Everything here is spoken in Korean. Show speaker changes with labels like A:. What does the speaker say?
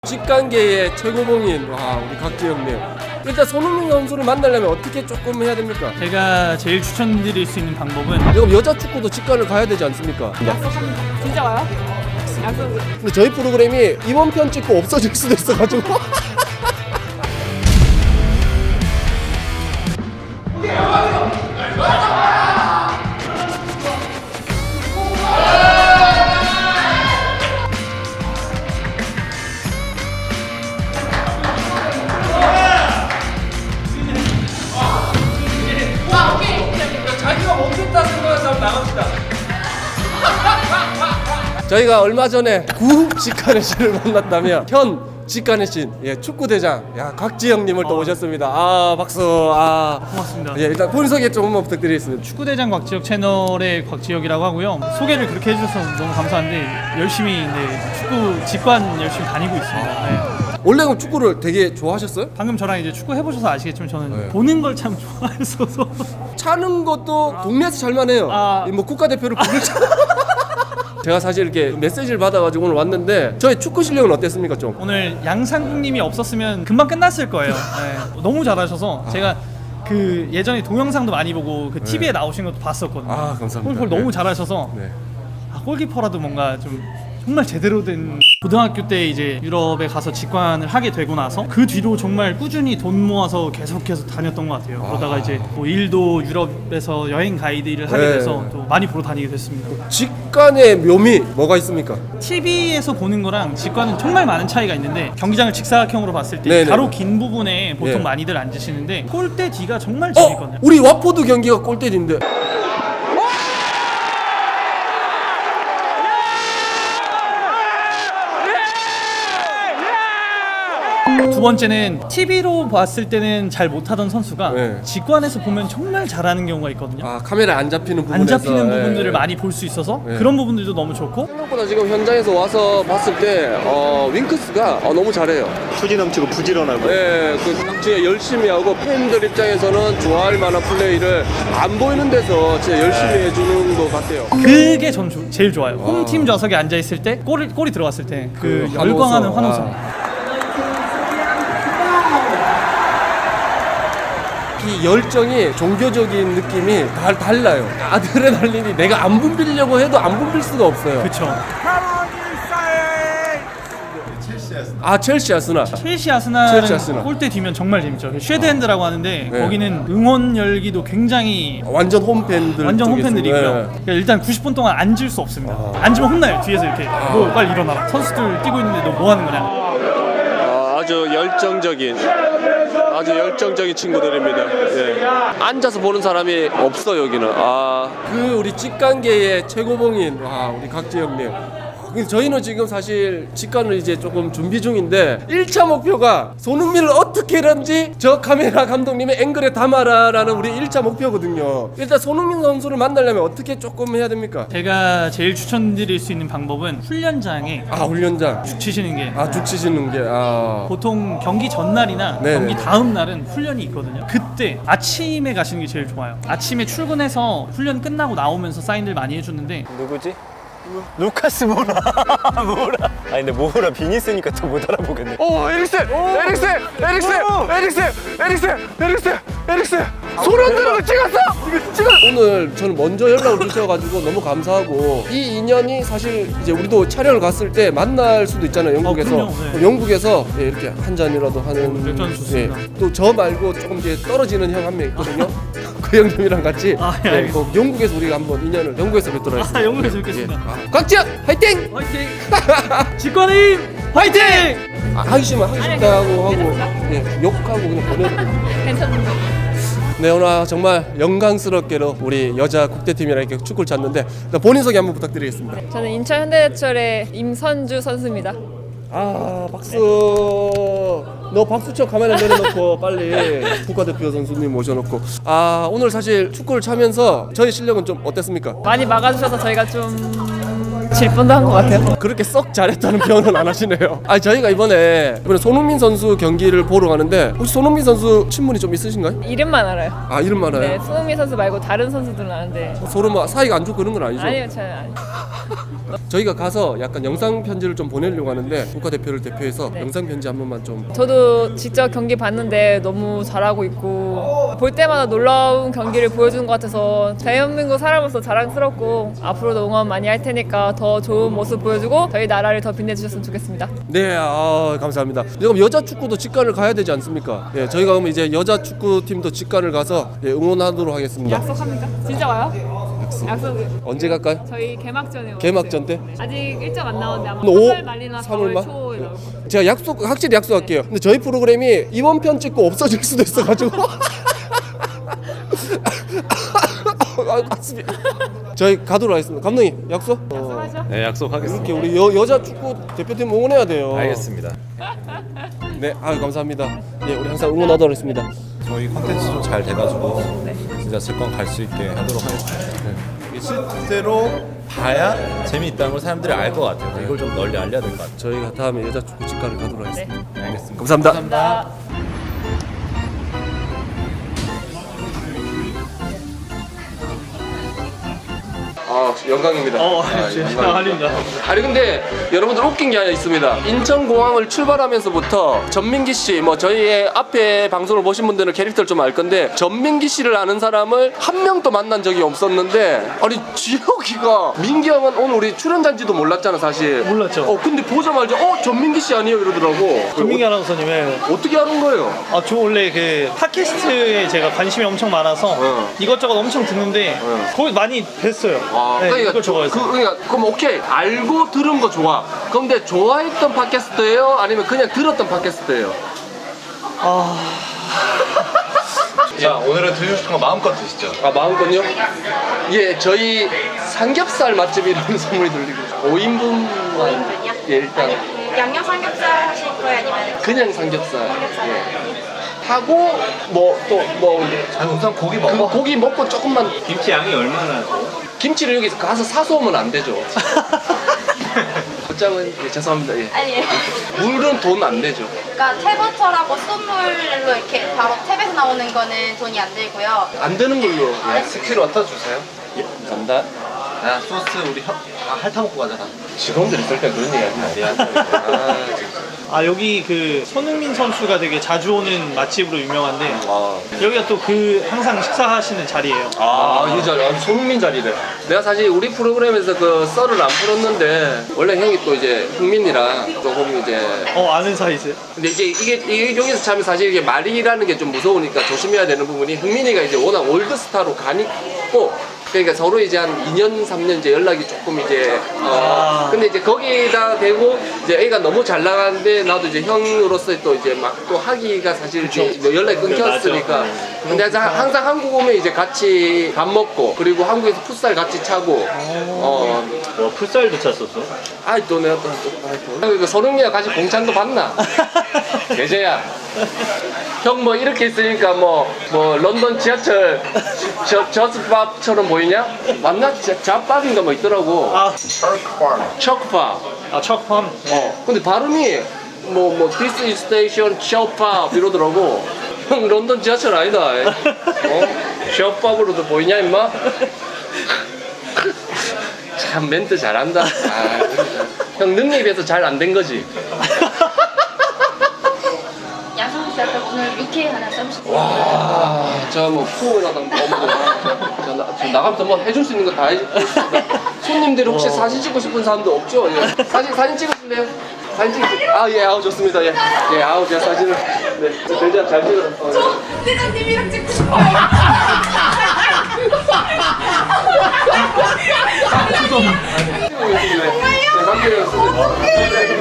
A: 직관계의 최고봉인 우리 각지영님, 일단 손흥민 선수를 만나려면 어떻게 조금 해야 됩니까?
B: 제가 제일 추천드릴 수 있는 방법은
A: 지금 여자 축구도 직관을 가야 되지 않습니까?
C: 진짜 와요? 약속.
A: 근데 저희 프로그램이 이번 편 찍고 없어질 수도 있어가지고 자기가 멈췄다 생각해서 한번 나갑시다. 저희가 얼마 전에 구 직관의 신을 만났다면 현 직관의 신, 축구 대장, 곽지영님을 또 모셨습니다. 박수.
B: 고맙습니다.
A: 일단 본인 소개 좀 한번 부탁드리겠습니다.
B: 축구대장 곽지혁 채널의 곽지혁이라고 하고요. 소개를 그렇게 해주셔서 너무 감사한데 열심히 축구 직관 열심히 다니고 있습니다. 네.
A: 원래 그럼 축구를 되게 좋아하셨어요?
B: 방금 저랑 이제 축구 해보셔서 아시겠지만 저는 보는 걸 참 좋아했어서
A: 차는 것도 동네에서 잘만 해요. 뭐 국가대표를 부를 제가 사실 이렇게 메시지를 받아가지고 오늘 왔는데 저희 축구 실력은 어땠습니까 좀?
B: 오늘 양상국님이 없었으면 금방 끝났을 거예요. 네. 너무 잘하셔서 제가 그 예전에 동영상도 많이 보고 그 TV에 나오신 것도 봤었거든요.
A: 감사합니다.
B: 골키퍼 너무 잘하셔서 골키퍼라도 뭔가 좀 정말 제대로 된 고등학교 때 이제 유럽에 가서 직관을 하게 되고 나서 그 뒤로 정말 꾸준히 돈 모아서 계속해서 다녔던 것 같아요. 그러다가 이제 뭐 일도 유럽에서 여행 가이드 일을 하게 돼서 또 많이 보러 다니게 됐습니다.
A: 직관의 묘미 뭐가 있습니까?
B: TV에서 보는 거랑 직관은 정말 많은 차이가 있는데 경기장을 직사각형으로 봤을 때
A: 네네.
B: 가로 긴 부분에 보통 많이들 앉으시는데 골대 뒤가 정말 재밌거든요.
A: 우리 와포드 경기가 골대인데.
B: 두 번째는 TV로 봤을 때는 잘 못하던 선수가 직관에서 보면 정말 잘하는 경우가 있거든요.
A: 카메라에 안 잡히는 부분에서
B: 안 잡히는 부분들을 많이 볼 수 있어서 그런 부분들도 너무 좋고
A: 생각보다 지금 현장에서 와서 봤을 때 윙크스가 너무 잘해요.
D: 투지 넘치고 부지런하고.
A: 진짜 열심히 하고 팬들 입장에서는 좋아할 만한 플레이를 안 보이는 데서 진짜 열심히 해주는 것 같아요.
B: 그게 전 제일 좋아요. 홈팀 좌석에 앉아 있을 때 골이 들어갔을 때 그 열광하는 환호성.
A: 이 열정이 종교적인 느낌이 달라요. 아드레날린이 내가 안 붐비려고 해도 안 붐빌 수가 없어요.
B: 그렇죠.
A: 첼시 아스날.
B: 첼시 아스날은 골대 뒤면 정말 재밌죠. 쉐드핸드라고 하는데 거기는 응원 열기도 굉장히
A: 완전
B: 홈팬들이고요. 그러니까 일단 90분 동안 앉을 수 없습니다. 앉으면 혼나요. 뒤에서 이렇게 너 빨리 일어나라. 선수들 뛰고 있는데 너 뭐 하는 거냐.
A: 아주 열정적인 친구들입니다. 앉아서 보는 사람이 없어 여기는. 그 우리 직관계의 최고봉인 우리 각지영님. 저희는 지금 사실 직관을 이제 조금 준비 중인데 1차 목표가 손흥민을 어떻게든지 저 카메라 감독님의 앵글에 담아라라는 우리 1차 목표거든요. 일단 손흥민 선수를 만나려면 어떻게 조금 해야 됩니까?
B: 제가 제일 추천드릴 수 있는 방법은 훈련장에
A: 훈련장
B: 죽 치시는 게
A: 죽 치시는 게
B: 보통 경기 전날이나 경기 다음 날은 훈련이 있거든요. 그때 아침에 가시는 게 제일 좋아요. 아침에 출근해서 훈련 끝나고 나오면서 사인들 많이 해주는데
D: 누구지? 루카스 모라. 아니 근데 모라 비니 쓰니까 더 못 알아보겠네.
A: 에릭슨 소련 드럼을 찍었어! 오늘 저는 먼저 연락을 주셔가지고 너무 감사하고, 이 인연이 사실 이제 우리도 촬영을 갔을 때 만날 수도 있잖아요, 영국에서.
B: 그럼요,
A: 영국에서 이렇게 한 잔이라도 하는.
B: 맥주 좋습니다.
A: 또 저 말고 조금 이제 떨어지는 형 한 명 있거든요. 그 형님이랑 같이
B: 알겠습니다.
A: 영국에서 우리가 한번 인연을 영국에서 뵙도록 하겠습니다.
B: 영국에서 뵙겠습니다.
A: 곽지영 화이팅!
B: 화이팅! 직관의 힘 화이팅!
A: 하기 싫으면 하기 싫다 하고 욕하고 그냥 보내고.
C: 괜찮은데.
A: 네, 오늘 정말 영광스럽게도 우리 여자 국대팀이랑 이렇게 축구를 찼는데 본인 소개 한번 부탁드리겠습니다.
C: 저는 인천 현대제철의 임선주 선수입니다.
A: 박수. 너 박수 쳐 가만히 내려놓고 빨리 국가대표 선수님 모셔놓고. 오늘 사실 축구를 차면서 저희 실력은 좀 어땠습니까?
C: 많이 막아주셔서 저희가 좀 질 뻔도 한 것 같아요.
A: 그렇게 썩 잘했다는 표현은 안 하시네요. 아 저희가 이번에 손흥민 선수 경기를 보러 가는데 혹시 손흥민 선수 친분이 좀 있으신가요?
C: 이름만 알아요.
A: 아 이름 알아요?
C: 네, 손흥민 선수 말고 다른 선수들은 아는데.
A: 서로 뭐 사이가 안 좋고 그런 건 아니죠?
C: 아니요, 잘 아니요.
A: 저희가 가서 약간 영상 편지를 좀 보내려고 하는데 국가대표를 대표해서
C: 네.
A: 영상 편지 한 번만 좀.
C: 저도 직접 경기 봤는데 너무 잘하고 있고 볼 때마다 놀라운 경기를 보여주는 것 같아서 대한민국 사람으로서 자랑스럽고 앞으로도 응원 많이 할 테니까 더 좋은 모습 보여주고 저희 나라를 더 빛내주셨으면 좋겠습니다.
A: 네, 감사합니다. 그럼 여자 축구도 직관을 가야 되지 않습니까? 예, 저희가 그럼 이제 여자 축구팀도 직관을 가서 응원하도록 하겠습니다.
C: 약속합니까? 진짜 와요? 약속.
A: 언제 갈까요?
C: 저희 개막전에
A: 개막전 때?
C: 아직 일정 안 나왔는데 아마
A: 오,
C: 3월 말이나 4월
A: 3월
C: 초에 나올 거예요.
A: 제가 확실히 약속할게요. 근데 저희 프로그램이 이번 편 찍고 없어질 수도 있어가지고. 가슴이. 저희 가도록 하겠습니다. 감독님 약속?
C: 약속하죠?
E: 네, 약속하겠습니다.
A: 이렇게 우리 여자 축구 대표팀 응원해야 돼요.
E: 알겠습니다.
A: 네, 감사합니다. 예, 우리 항상 응원하도록 하겠습니다.
E: 저희 컨텐츠도 잘 돼가지고 진짜 질권 갈 수 있게 하도록 하겠습니다. 이게 실제로 봐야 재미있다는 걸 사람들이 알 것 같아요. 이걸 좀 널리 알려야 될 것 같아요.
A: 저희가 다음에 여자 축구 직관을 가도록 하겠습니다.
C: 네.
E: 알겠습니다.
A: 감사합니다. 영광입니다.
B: 아닙니다.
A: 아니 근데 여러분들 웃긴 게 하나 있습니다. 인천공항을 출발하면서부터 전민기 씨, 뭐 저희의 앞에 방송을 보신 분들은 캐릭터를 좀 알 건데 전민기 씨를 아는 사람을 한 명도 만난 적이 없었는데 아니 지혁이가 민기 형은 오늘 우리 출연자인지도 몰랐잖아 사실.
B: 몰랐죠.
A: 근데 보자마자 전민기 씨 아니에요 이러더라고.
B: 조민기 아나운서님의
A: 어떻게 아는 거예요?
B: 저 원래 그 팟캐스트에 제가 관심이 엄청 많아서 이것저것 엄청 듣는데 거기 많이 뵀어요. 네, 이걸 좋아해서.
A: 그럼 오케이 알고 들은 거 좋아. 그런데 좋아했던 팟캐스트예요? 아니면 그냥 들었던 팟캐스트예요?
E: 자, 오늘은 드시고 싶은 거 마음껏 드시죠.
A: 마음껏요? 예, 저희 삼겹살 맛집이라는 소문이 들리고 5인분
F: 5인분이요?
A: 예, 일단
F: 양념 삼겹살 하실 거예요? 아니면
A: 그냥 삼겹살 예. 하고
E: 자, 우선 고기
A: 그
E: 먹어.
A: 고기 먹고 조금만
E: 김치 양이 얼마나 돼?
A: 김치를 여기서 가서 사서 오면 안 되죠. 곧장은 예, 죄송합니다. 예.
F: 아니에요.
A: 물은 돈 안 되죠.
F: 그러니까 탭워터라고 쏜물로 이렇게 바로 탭에서 나오는 거는 돈이 안 들고요.
A: 안 되는 걸로. 예.
E: 스킬워터 주세요.
A: 예, 감사합니다.
E: 소스 우리 핥아 먹고 가잖아.
A: 직원들 있을 때 그런 얘기 하지 마.
B: 여기 그 손흥민 선수가 되게 자주 오는 맛집으로 유명한데
A: 아,
B: 여기가 또 그 항상 식사하시는 자리예요.
A: 이 자리, 손흥민 자리래. 내가 사실 우리 프로그램에서 그 썰을 안 풀었는데 원래 형이 또 이제 흥민이랑 조금 이제
B: 아는 사이세요?
A: 근데 이게 여기서 참 사실 이게 말이라는 게 좀 무서우니까 조심해야 되는 부분이 흥민이가 이제 워낙 올드스타로 가니고 그러니까 서로 이제 한 2년 3년 이제 연락이 조금 이제 근데 이제 거기다 대고 이제 애가 너무 잘 나가는데 나도 이제 형으로서 또 이제 막 또 하기가 사실 이제 연락이 끊겼으니까 근데 항상 한국 오면 이제 같이 밥 먹고 그리고 한국에서 풋살 같이 차고
E: 풋살도 찼었어?
A: 아이 또 내가 또 손흥민이랑 같이 공찬도 봤나? 계제야 형 뭐 이렇게 있으니까 뭐 런던 지하철 저스밥처럼 보이냐? 맞나? 잡밥인가 뭐 있더라고. 척밥.
B: 척팜.
A: 근데 발음이 this is station 척밥 이러더라고. 형 런던 지하철 아니다. 척밥으로도 보이냐 임마? 참 멘트 잘한다. 형 능력에 비해서 잘 안 된 거지.
F: 양상추 오늘 육회 하나 써주세요.
A: 와, 저 뭐 포옹이라도 저 나가면서 뭐 해줄 수 있는 거 다 해주고 있습니다. 손님들이 혹시 사진 찍고 싶은 사람도 없죠? 예. 사진 찍으실래요? 사진 찍으세요. 예, 좋습니다. 예, 제가 사진을 대장 잘 찍어요.
F: 대장님이랑 찍고 싶어요.
A: 찍고 있습니다. 네, 감사해요.